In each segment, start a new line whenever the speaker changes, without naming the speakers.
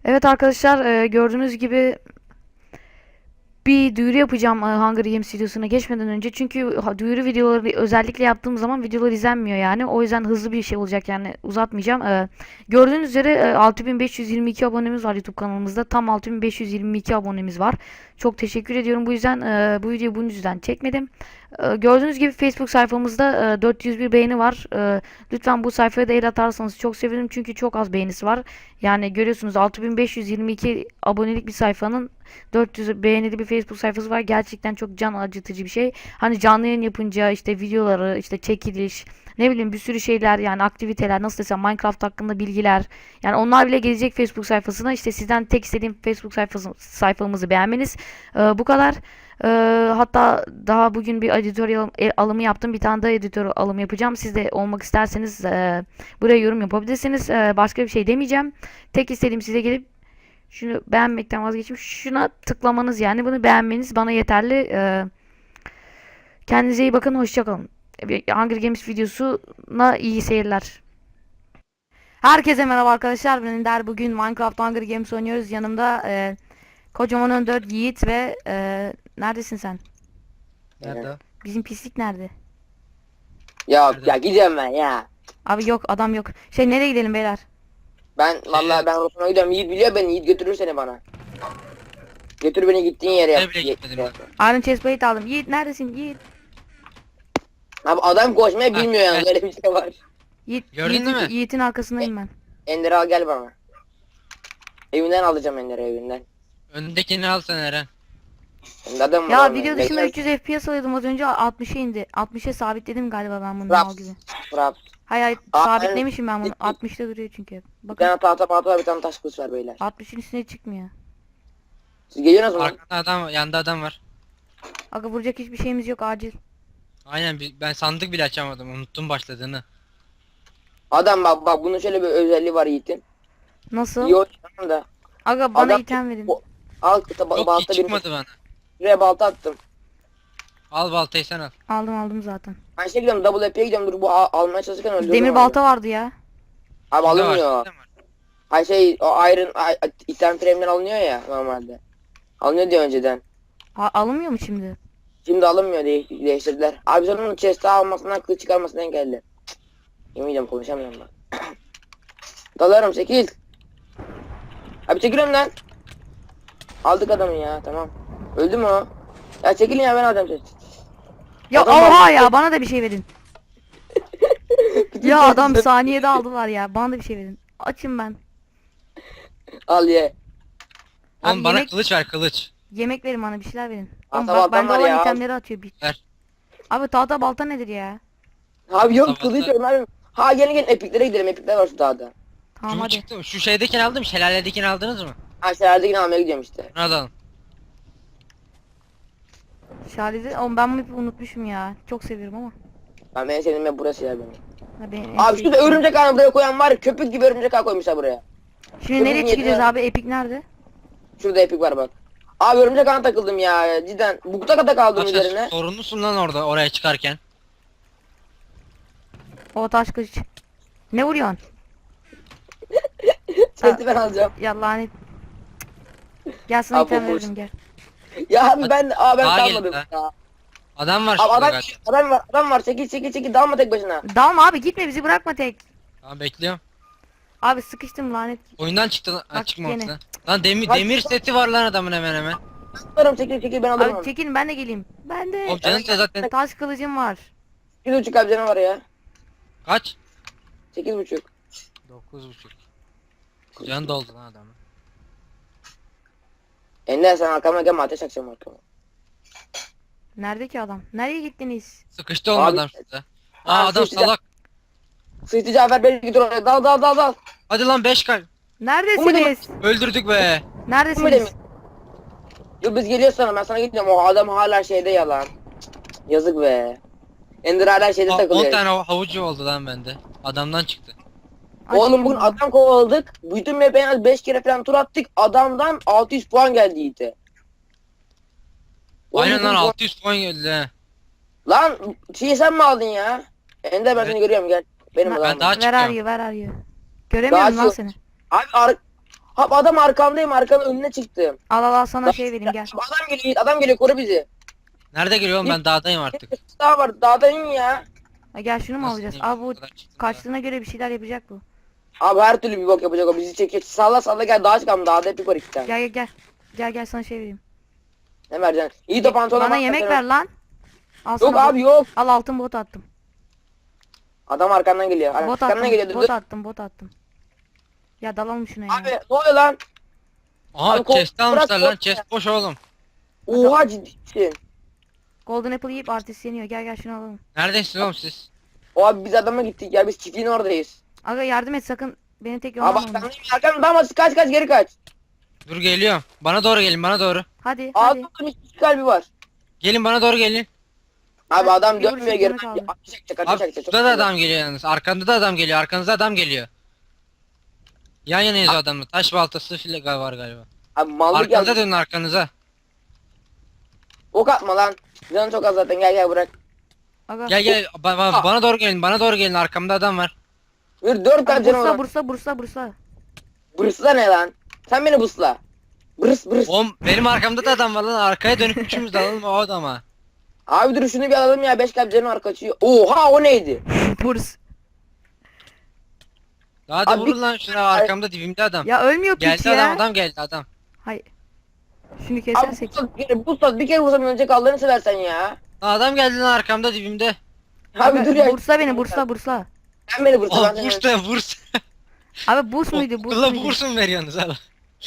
Evet arkadaşlar, gördüğünüz gibi bir duyuru yapacağım Hunger Games videosuna geçmeden önce. Çünkü duyuru videoları özellikle yaptığım zaman videolar izlenmiyor yani. O yüzden hızlı bir şey olacak yani uzatmayacağım. Gördüğünüz üzere 6522 abonemiz var YouTube kanalımızda. Tam 6522 abonemiz var. Çok teşekkür ediyorum. Bu yüzden bu videoyu bunun yüzden çekmedim. Gördüğünüz gibi Facebook sayfamızda 401 beğeni var. Lütfen bu sayfaya da el atarsanız çok sevinirim. Çünkü çok az beğenisi var. Yani görüyorsunuz 6522 abonelik bir sayfanın 400 beğenili bir Facebook sayfası var. Gerçekten çok can acıtıcı bir şey. Hani canlı yayın yapınca işte videoları, işte çekiliş, ne bileyim bir sürü şeyler yani aktiviteler nasıl desem Minecraft hakkında bilgiler. Yani onlar bile gelecek Facebook sayfasına. İşte sizden tek istediğim Facebook sayfamızı beğenmeniz. Bu kadar. Hatta daha bugün bir editör alımı yaptım. Bir tane daha editör alımı yapacağım. Siz de olmak isterseniz buraya yorum yapabilirsiniz. Başka bir şey demeyeceğim. Tek istediğim size gelip şunu beğenmekten vazgeçip şuna tıklamanız yani bunu beğenmeniz bana yeterli. Kendinize iyi bakın. Hoşça kalın. Hunger Games videosuna iyi seyirler. Herkese merhaba arkadaşlar. Ben Ender. Bugün Minecraft Hunger Games oynuyoruz. Yanımda kocaman Önder, Yiğit ve neredesin sen?
Nerede o?
Bizim pislik nerede?
Ya
Nerede?
ya gidiyorum ben ya.
Abi yok adam yok. Şey nereye gidelim beyler?
Ben vallahi ben Rotun'a gidiyorum. Yiğit biliyor beni. Yiğit götürür seni bana. Götür beni gittiğin yere yap.
Nereye bile gitmedim ben.
Iron Chestplate aldım. Yiğit neredesin? Yiğit.
Abi adam koşmayı
Ha,
bilmiyor yalnız.
gel.
Öyle bir şey var.
Gördün değil mi?
Yiğit'in arkasındayım ben.
Ender al gel bana. Evinden alacağım Ender'i evinden.
Öndekini al sen Eren.
Şimdi adam var
Ya
orada.
video dışında 300 FPS alıyordum az önce 60'a indi. 60'a sabitledim galiba ben bunu mal
Fraps.
gibi.
Fraps.
Hayır hayır
Aa,
sabitlemişim ben bunu. 60'ta duruyor çünkü.
Bir
Bakın
tane tahta var, bir tane taş kılıç var beyler.
60'ın üstüne çıkmıyor.
Siz geliyorsunuz mu?
Arkada adam, yanda adam var.
Aga vuracak hiçbir şeyimiz yok acil.
Aynen ben sandık bile açamadım. Unuttum başladığını.
Adam bak bunun şöyle bir özelliği var Yiğit'in.
Nasıl?
İyi oynuyorum da.
Aga bana
Adam
item verin.
al
Yok
balta
hiç
bir
çıkmadı bana.
şuraya balta attım.
Al baltayı sen al.
Aldım zaten.
Ben şey gidiyorum double F'ye gidiyorum dur bu almaya çalışırken öldürdüm
Demir
onu.
balta vardı ya.
Abi
Kimde var?
alınmıyor.
Kimde var?
Hay şey o item frame'den alınıyor ya normalde. Alınıyor diye önceden.
Alınmıyor mu şimdi?
Şimdi alınmıyor değiştirdiler. Abi sen onun chest'e almasından kılıç çıkarmasından engelli. Yemin ediyorum konuşamıyorum ben. Dalarım 8. Abi çekiliyorum lan. Aldık adamı ya tamam. Öldü mü o? Ya çekilin ya ben alacağım chest.
Ya
Adam
oha
aldı.
ya bana da bir şey verin. Ya adam saniyede aldılar ya. Bana da bir şey verin. Açım ben.
Al ye.
Oğlum
Abi
bana
yemek-
kılıç ver kılıç.
Yemek verin bana bir şeyler verin.
Aa,
Oğlum
tamam,
bak bende
var
olan
ya.
itemleri atıyor.
Ver.
Abi tahta balta nedir ya?
Abi yok
Sabah
kılıç
da-
yok abi. Ha gelin epiklere gidelim epikler var şu dağda.
Tamam
Şu
hadi.
çıktı. Şu şeydekini aldım. Şelaledekini aldınız mı?
Ha şehirde almaya gidiyorum işte.
Bunu alalım.
Şalide. Oğlum ben bunu unutmuşum ya. Çok seviyorum ama.
Ben en sevdiğim yer burası ya benim.
Ha, benim en
Abi
sevdiğim-
şurada örümcek ağını buraya koyan var ya, köpük gibi örümcek ağ koymuşlar buraya.
Şimdi nereye
Köpük
çıkacağız
niyetine-
abi? Epic nerede?
Şurada epik var bak. Abi örümcek ağına takıldım ya cidden. Bukta kata kaldım
Bak
üzerine.
sen sorunlusun lan orada oraya çıkarken.
O taş kılıç. Ne vuruyorsun?
Sesi ben alacağım.
Ya lanet. Gel sana
Abi,
item
boş.
veririm gel.
Ya abi ben
Daha
kalmadım
gelin
ya.
Adam var
Abi
şurada
adam,
galiba.
adam var çekil dalma tek başına.
Dalma abi gitme bizi bırakma tek.
Tamam bekliyorum.
Abi sıkıştım lanet.
Oyundan çıktı lan. Ha,
Bak
çıkmamış
gene.
lan. Lan demir,
Bak-
demir seti var lan adamın hemen hemen.
Alırım çekil ben alırım
Abi
onu.
çekilin ben de geleyim. Ben de.
Oğlum canın da zaten
Taş kılıcım var.
8,5 abi canı var ya.
kaç?
8,5.
9,5. Can doldu lan adamın.
Ender sen arkama gelme ateş açacağım arkama.
Nerede ki adam? Nereye gittiniz?
Sıkıştı oğlum
Abi-
adam şurada. Aa
Abi
adam
sıkıştı.
salak.
Sıçtı Cafer beni gidiyor oraya dal.
Hadi lan 5 kalp.
Neredesiniz?
Öldürdük be.
Neredesiniz?
Dur biz geliyoruz sana ben sana gidiyorum o adam hala şeyde yalan. Yazık be. Ender hala şeyde
10
takılıyor.
tane havucu oldu lan bende. Adamdan çıktı.
Oğlum
Açayım
bugün
bunu.
adam kovaladık. Bütün map'e en az 5 kere falan tur attık. Adamdan 600 puan geldi Yiğit'e.
Aynen
Oğlum,
lan
bu-
600 puan geldi he.
Lan şeyi sen mi aldın ya? Ender ben
Evet.
seni görüyorum gel. Benim
Ben
adamım.
daha
Ver
çıkıyorum.
arıyor ver arıyor. Göremiyorum
Daha
lan
çık-
seni.
Abi Abi adam arkamdayım, arkanın önüne çıktım.
Al sana şey vereyim gel.
Abi adam geliyor Yiğit, adam geliyor, koru bizi.
Nerede geliyor oğlum, ben dağdayım artık.
Daha var, dağdayım ya.
Ha, gel şunu mu
Nasıl
alacağız?
diyeyim,
Abi bu
bu kadar çıktı
kaçtığına göre bir şeyler yapacak bu.
Abi her türlü bir bok yapacak o, bizi çekiyor. Salla salla gel, dağa çıkalım, dağda hep yukarı iki tane.
Gel sana şey vereyim.
Ne vereceksin? İyi de pantolona
Bana
bak
yemek
sen.
ver lan. Al
Yok
sana
abi yok.
Al altın bot attım.
Adam arkandan geliyor.
Bot
Arkandan geliyor.
attım.
Dur,
Bot
dur.
attım. Bot attım. Ya dalalım şuna ya.
Abi ne oluyor lan?
Aha
Abi,
chest almışlar
bırak,
lan,
bırak.
chest boş oğlum.
Oha ciddisin.
Golden Apple yiyip artist yeniyor. Gel şunu alalım.
Neredesiniz oğlum siz?
O abi biz adama gittik ya, biz çiftliğin oradayız.
Aga yardım et sakın. Beni tek
Abi
yoldan
bak arkamdan damat, kaç geri kaç.
Dur geliyorum. Bana doğru gelin, bana doğru.
Hadi.
Ağzımda iki kalbi var.
Gelin bana doğru gelin.
Abi adam
bir
dönmüyor
vuruş
geri.
canı kaldı.
Ateş edecek, ateş
Abi
edecek.
şurada da adam geliyor yalnız. Arkanda da adam geliyor, arkanızda adam geliyor. Yan yanayız o adamla. Taş baltası file var galiba.
Abi mallık
Arkanıza
yazdı.
dönün, arkanıza.
Ok atma lan. Canın çok az zaten, gel bırak.
Aga.
Gel bana doğru gelin, bana doğru gelin, arkamda adam var.
Bir 4 kalp canım var.
Bursa.
Bırsla ne lan? Sen beni busla. Bırs.
Oğlum benim arkamda da adam var lan, arkaya dönüp üçümüz de alalım o adama.
Abi dur şunu bir alalım ya, 5 kalp canım var, kaçıyor. Oha o neydi?
Burs.
Hadi
Abi
vurun lan şuna, arkamda dibimde adam.
Ya ölmüyor piç
Geldi
ya.
adam geldi adam.
Hayır. Şunu
Abi
kesersek.
busla bir kere vursam ölecek, Allah'ını seversen ya.
Lan adam geldi lan, arkamda dibimde.
Abi dur ya.
Bursa beni bursa.
Sen beni bursa, ben
Oh
seni.
vurs.
Abi burs muydu? Burs
Okula
muydu?
burs mu veriyorsunuz hala?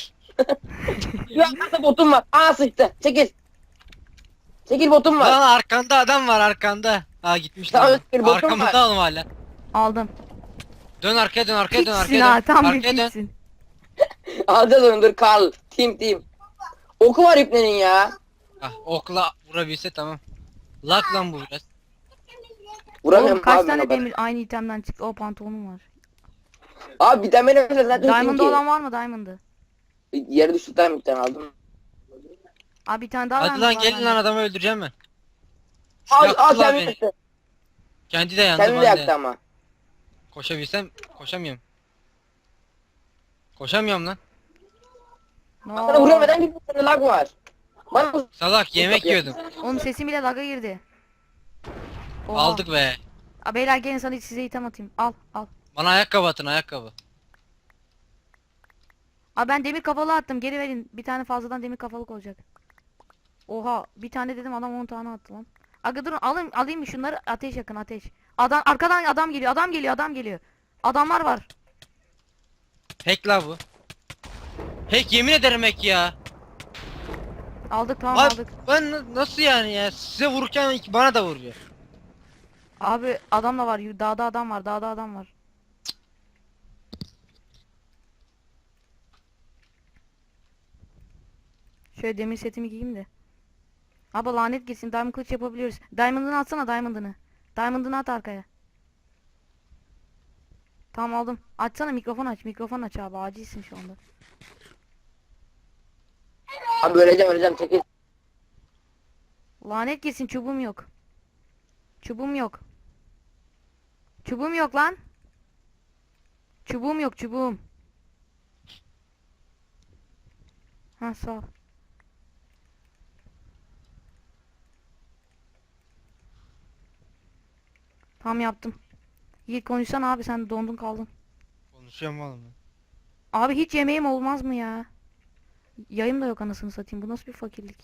Ya nasıl botum var? Aa sıçtı. Çekil. Çekil, botum var.
Lan arkanda adam var, arkanda. Ha gitmiş
Tamam,
lan.
bir botum
Arkamızda
var.
oğlum hala.
Aldım.
Dön arkaya, dön arkaya, dön
Piçsin
arkaya
ha
dön.
tam bir
Arkaya dön.
piçsin.
Alacağız onu, dur Karl. Team. Oku var ipnenin ya.
Ah, okla vurabilse tamam. Lag lan bu biraz.
Vuramıyorum
Oğlum kaç
abi ben
tane
o kadar.
demir aynı itemden çıktı? O pantolonum var.
Abi bir tane benim mesela zaten
Diamond'da
ki.
olan var mı Diamond'ı?
Yere düştü, bir tane aldım.
Abi bir tane daha
Hadi
Diamond
lan
var
gelin
bende.
lan, adamı öldüreceğim ben.
Al
Yaktılar
kendini
beni.
yaktı.
Kendi de yandı,
Kendini de
ben
yaktı
de.
ama.
Koşabilsem koşamıyorum. Koşamıyorum lan.
Sana vuruyorum, neden gidiyorsun? Sende lag var. Bana bu
Salak yemek yiyordum.
Oğlum sesim bile lag'a girdi. Oha.
Aldık be.
Aa, beyler gelin sana size item atayım. Al.
Bana ayakkabı atın, ayakkabı.
Aa ben demir kafalı attım. Geri verin. Bir tane fazladan demir kafalık olacak. Oha bir tane dedim adam 10 tane attı lan. Aga durun alayım mı şunları, ateş yakın ateş. Arkadan adam geliyor. Adamlar var.
Hack la bu. Hack, yemin ederim hack ya.
Aldık tamam
Abi
aldık.
ben nasıl yani ya? Size vururken bana da vuruyor.
Abi adam da var. Dağda adam var. Şöyle demir setimi giyeyim de. Abi lanet gitsin. Diamond kılıç yapabiliyoruz. Diamond'ını atsana Diamond'ını. Diamond'ını at arkaya. Tamam aldım. Açsana mikrofon aç abi. Acilsin şu anda.
Abi öleceğim çekil.
Lanet gitsin çubuğum yok. Çubuğum yok lan. Çubuğum yok. Ha sağ ol. Tamam yaptım. Yiğit konuşsana abi sen dondun kaldın.
Konuşuyorum oğlum.
Abi hiç yemeğim olmaz mı ya? Yayım da yok anasını satayım. Bu nasıl bir fakirlik?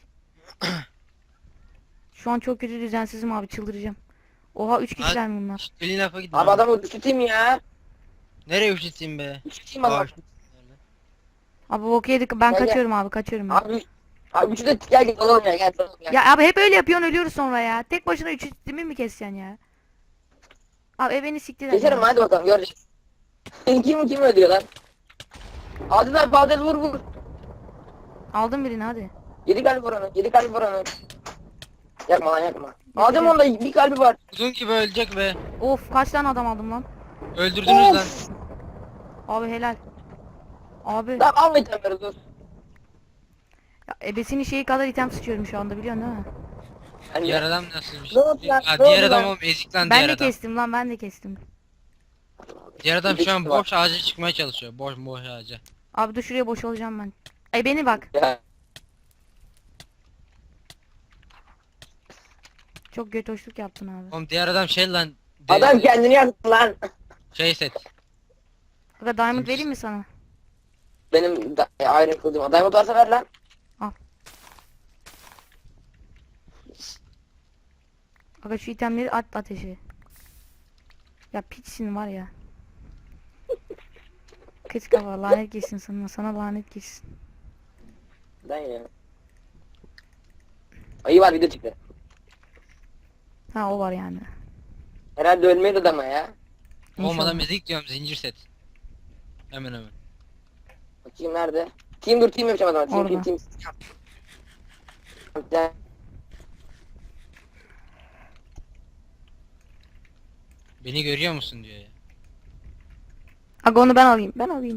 Şu an çok kötü düzensizim abi çıldıracağım. Oha 3 kişiler mi bunlar?
Elin lafa gidin.
Abi adamı üşüteyim ya.
Nereye üşüteyim be?
Üşüteyim adamı.
Abi bok yedik ben
Gel, gel.
kaçıyorum ben.
Abi üçü de gel dalalım ya, gel dalalım ya.
Ya abi hep öyle yapıyorsun ölüyoruz sonra ya. Tek başına 3 istimi mi keseceksin ya? Abi beni siktir et.
Geçerim
ya.
hadi bakalım, göreceğiz. kim öldürüyor lan? Adil vur.
Aldım birini hadi.
7 kalbi var onun. Yakma lan yakma. Adem onda bir kalbi var.
Uzun gibi ölecek be.
Of kaç tane adam aldım lan.
Öldürdünüz lan.
Of.
Abi helal. Abi
Lan alma itemleri dur.
ya, ebesinin şeyi kadar item sıçıyorum şu anda biliyorsun değil mi?
Yani
Diğer adam nasıl bir
Ne
şey?
oldu lan?
Ha,
Ne
diğer
oldu
adam
lan?
oğlum, ezik lan
Ben
diğer
de
adam.
kestim lan.
Diğer adam şu an
Ezik var.
boş ağaca çıkmaya çalışıyor. Boş ağaca.
Abi dur şuraya boşalacağım ben. Beni bak.
Ya.
Çok götoşluk yaptın abi.
Oğlum diğer adam şey lan.
Adam kendini yaktı lan.
Şey set.
Aga diamond vereyim mi sana?
Benim ayrı kıldım. Diamond varsa ver lan.
Aga şu itemleri at ateşe. Ya piçsin var ya. Kız kafa lanet gelsin sana. Sana lanet gelsin.
Neden ya? Ayı var video çıktı.
Ha o var yani.
Herhalde ölmedi adama ya.
Olmadan
İnşallah.
müzik diyorum zincir set. Hemen hemen.
Bakayım nerede? Team dur team yapacağım adama. Team
Orada.
team. Team.
Beni görüyor musun diyor ya.
Aga onu ben alayım. Ben alayım.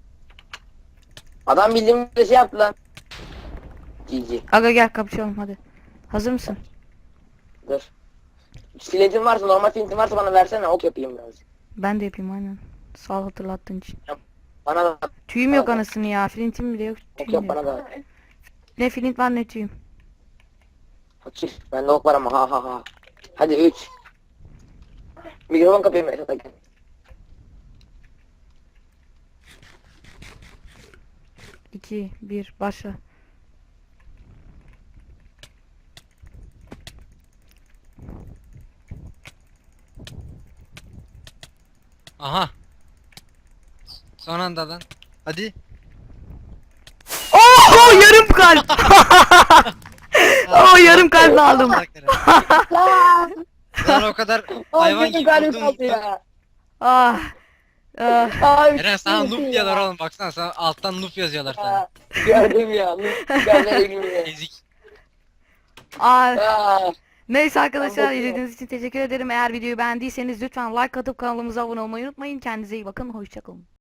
Adam bildiğim bir şey yaptı lan. GG.
Aga gel kapışalım hadi. Hazır mısın?
Dur. Flintin varsa normal flintin varsa bana versene ok yapayım biraz.
Ben de yapayım aynen. Sağ ol hatırlattığın için.
Bana da
Tüyüm yok
Tamam.
anasını ya. Flintim bile yok.
ok
Tüyüm
yap
yok.
bana da.
Ne flint var ne tüyüm.
Fakir. Bende ok var ama ha ha ha. Hadi 3. Mikrofon kapayım Esat Akın.
İki, bir, başla.
Aha. Son anda lan. Hadi.
Oh yarım kalp. Oh yarım kalp aldım.
Lan o kadar hayvan gibi vurdum.
kaldı ya.
Ah. Ah.
Eren sana noob diyorlar oğlum baksana sana alttan noob yazıyorlar sana.
Gördüm ya. Gördüm ya.
Ezik.
Ah.
Ah.
Neyse arkadaşlar
bakıyorum.
izlediğiniz için teşekkür ederim. Eğer videoyu beğendiyseniz lütfen like atıp kanalımıza abone olmayı unutmayın. Kendinize iyi bakın. Hoşçakalın.